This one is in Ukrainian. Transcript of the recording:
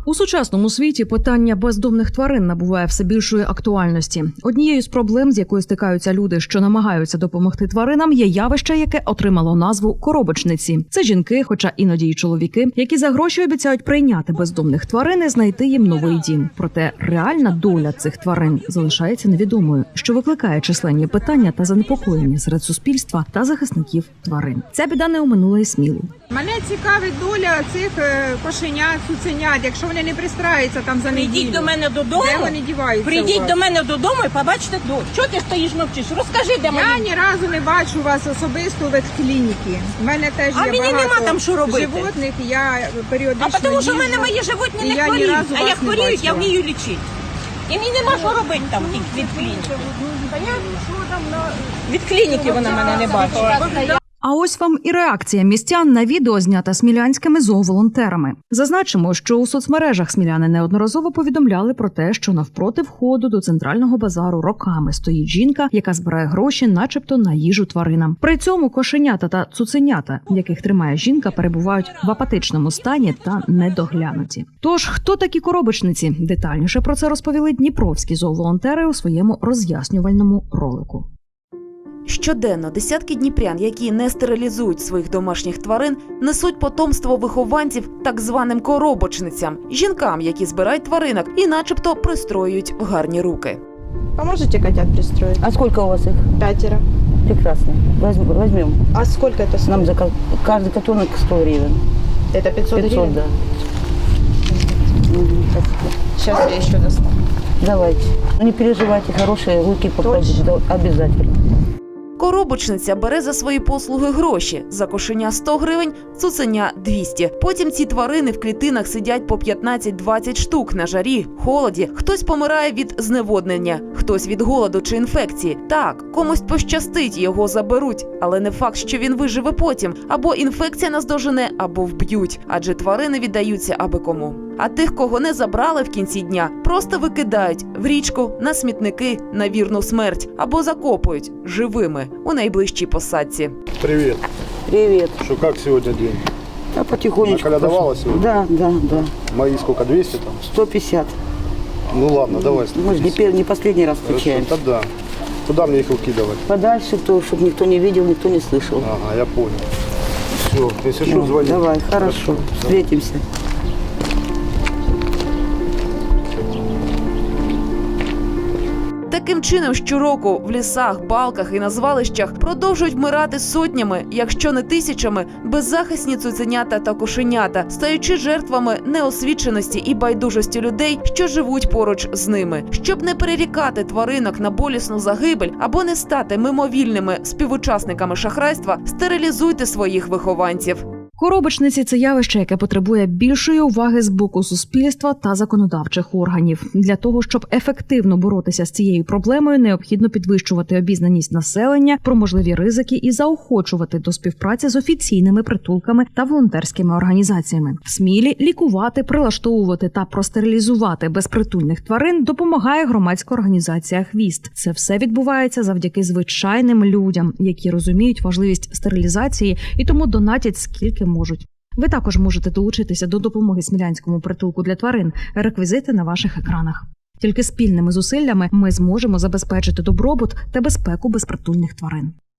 У сучасному світі питання бездомних тварин набуває все більшої актуальності. Однією з проблем, з якою стикаються люди, що намагаються допомогти тваринам, є явище, яке отримало назву коробочниці. Це жінки, хоча іноді й чоловіки, які за гроші обіцяють прийняти бездомних тварин і знайти їм новий дім. Проте реальна доля цих тварин залишається невідомою, що викликає численні питання та занепокоєння серед суспільства та захисників тварин. Ця біда не оминула і Смілу. Мене цікавить доля цих кошенят, цуценят, якщо вони не пристраються там за неділю. Прийдіть до мене додому, де вони діваються? прийдіть до мене додому і побачите, чого ти стоїш мовчиш? Розкажи, де Я мені. ні разу не бачу вас особисто в ветклініки. У мене теж А є мені багато нема там що робити. животних, і я періодично А тому що в їжджу, мене мої животні і не я ні хворіють, разу а вас як не хворіють, я бачила. вмію лічити. І мені нема що робити там від клініки. Від клініки вона мене не бачила. А ось вам і реакція містян на відео, знята смілянськими зооволонтерами. Зазначимо, що у соцмережах сміляни неодноразово повідомляли про те, що навпроти входу до центрального базару роками стоїть жінка, яка збирає гроші начебто на їжу тваринам. При цьому кошенята та цуценята, яких тримає жінка, перебувають в апатичному стані та недоглянуті. Тож, хто такі коробочниці? Детальніше про це розповіли дніпровські зооволонтери у своєму роз'яснювальному ролику. Щоденно десятки дніпрян, які не стерилізують своїх домашніх тварин, несуть потомство вихованців так званим коробочницям – жінкам, які збирають тваринок і начебто пристроюють в гарні руки. Поможете котят пристроить? А сколько у вас их? 5. Прекрасно. Возьмем. А сколько это стоит? Нам за каждый котенок 100 гривен. Это 500 гривен? Да. Спасибо. Сейчас я еще достану. Давайте. Не переживайте, хорошие руки попадут. Да, обязательно. Коробочниця бере за свої послуги гроші. За кошеня 100 гривень, цуценя – 200. Потім ці тварини в клітинах сидять по 15-20 штук на жарі, холоді. Хтось помирає від зневоднення, хтось від голоду чи інфекції. Так, комусь пощастить, його заберуть. Але не факт, що він виживе потім. Або інфекція наздожене, або вб'ють. Адже тварини віддаються аби кому. А тих, кого не забрали в кінці дня, просто викидають в річку, на смітники, на вірну смерть. Або закопують живими у найближчій посадці. Привет. Привет. Что, как сегодня день? Да, потихонечку. Наколядовала пошел. сегодня? Да. Мои сколько, 200 там? 150. Ну ладно, давай. Мы же не последний раз Хорошо, встречаемся. тогда. Куда мне их укидывать? Подальше, чтобы никто не видел, никто не слышал. Ага, я понял. Все, если что, звони. Давай, хорошо. Да. Встретимся. Таким чином, щороку в лісах, балках і на звалищах продовжують вмирати сотнями, якщо не тисячами, беззахисні цуценята та кошенята, стаючи жертвами неосвіченості і байдужості людей, що живуть поруч з ними. Щоб не перерікати тваринок на болісну загибель або не стати мимовільними співучасниками шахрайства, стерилізуйте своїх вихованців. Коробочниці – це явище, яке потребує більшої уваги з боку суспільства та законодавчих органів. Для того, щоб ефективно боротися з цією проблемою, необхідно підвищувати обізнаність населення про можливі ризики і заохочувати до співпраці з офіційними притулками та волонтерськими організаціями. В Смілі лікувати, прилаштовувати та простерилізувати безпритульних тварин допомагає громадська організація «Хвіст». Це все відбувається завдяки звичайним людям, які розуміють важливість стерилізації і тому донатять скільки можуть. Ви також можете долучитися до допомоги Смілянському притулку для тварин. Реквізити на ваших екранах. Тільки спільними зусиллями ми зможемо забезпечити добробут та безпеку безпритульних тварин.